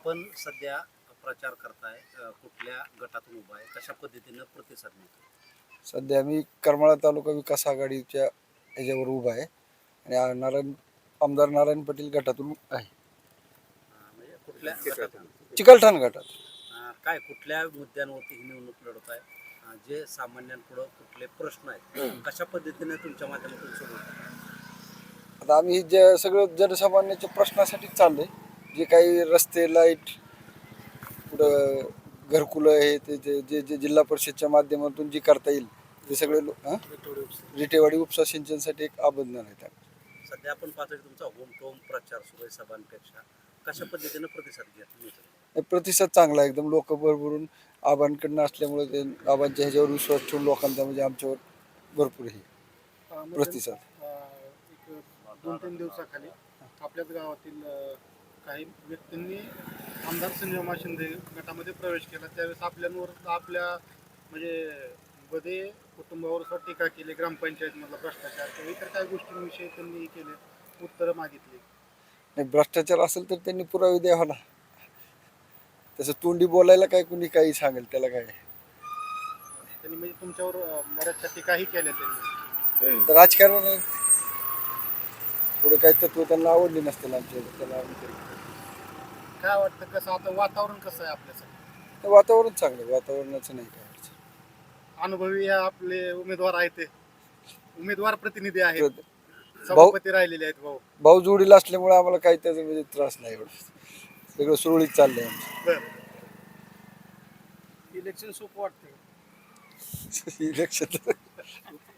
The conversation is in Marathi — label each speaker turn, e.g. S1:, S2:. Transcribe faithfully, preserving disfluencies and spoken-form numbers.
S1: आपण सध्या प्रचार करताय, अ, कुठल्या गटातून उभा आहे, कशा पद्धतीनं प्रतिसाद मिळतो?
S2: सध्या मी करमाळा तालुका विकास आघाडीच्या ह्याच्यावर उभा आहे आणि आ- नारायण आमदार नारायण पाटील गटातून आहे.
S1: अ, म्हणजे कुठल्या गटातून?
S2: चिकलठाण गटात.
S1: अ, काय कुठल्या मुद्द्यांवरती ही निवडणूक लढत आहे? अ, जे सामान्यांपुढं कुठले प्रश्न आहेत, कशा पद्धतीने तुमच्या माध्यमातून सोडवतात?
S2: आता आम्ही जे सगळं जनसामान्याच्या प्रश्नासाठीच चाललंय. जे काही रस्ते, लाईट, कुठं घरकुलं आहे ते जे जे जे जिल्हा परिषदच्या माध्यमातून जी करता येईल ते सगळे लो- हं? रिटेवाडी उपसा सिंचनसाठी एक आबंधन आहे त्यात.
S1: सध्या आपण पाहतोय की तुमचा होम टू होम प्रचार सुरू आहे सभांपेक्षा. कशा पद्धतीनं प्रतिसाद घेत मिळतो?
S2: हे प्रतिसाद चांगला आहे एकदम. लोक भरभरून आबांकडनं असल्यामुळे ते आबांच्या ह्याच्यावर विश्वास ठेवून लोकांचा म्हणजे आमच्यावर भरपूर हे प्रतिसाद.
S3: एक दोन तीन दिवसाखाली आपल्याच गावातील अ, काही व्यक्तींनी आमदार संजयमा शिंदे गटामध्ये प्रवेश केला. त्यावेळेस आपल्यांवर आपल्या म्हणजे बदे कुटुंबावर सुद्धा टीका केली. ग्रामपंचायतमधला भ्रष्टाचार किंवा इतर काही गोष्टींविषयी त्यांनी केले, उत्तरं मागितली.
S2: नाही, भ्रष्टाचार असेल तर त्यांनी पुरावे द्यावा ना. तसं तोंडी बोलायला काय कुणी काही सांगेल त्याला काय.
S3: त्यांनी म्हणजे तुमच्यावर अ, बऱ्याचशा टीकाही केल्या त्यांनी.
S2: तर राजकारण आहे. थोडं काही तत्व त्यांना आवडली नसतील आमच्या त्याला आम्ही तरी.
S3: काय वाटतं, कसं आता वातावरण कसं आहे आपल्यासाठी?
S2: तर वातावरण चांगलं आहे, वातावरणाचं नाही काय अडचण.
S3: अनुभवी आपले उमेदवार आहेत, ते उमेदवार प्रतिनिधी आहेत,
S2: भाऊ
S3: सभापती राहिलेले आहेत भाऊ.
S2: भाऊ जोडीला असल्यामुळे आम्हाला काही त्याचा म्हणजे त्रास नाही एवढा. सगळं सुरळीत चाललंय आमचं.
S3: बर, इलेक्शन सोपं वाटतं?
S2: इलेक्शन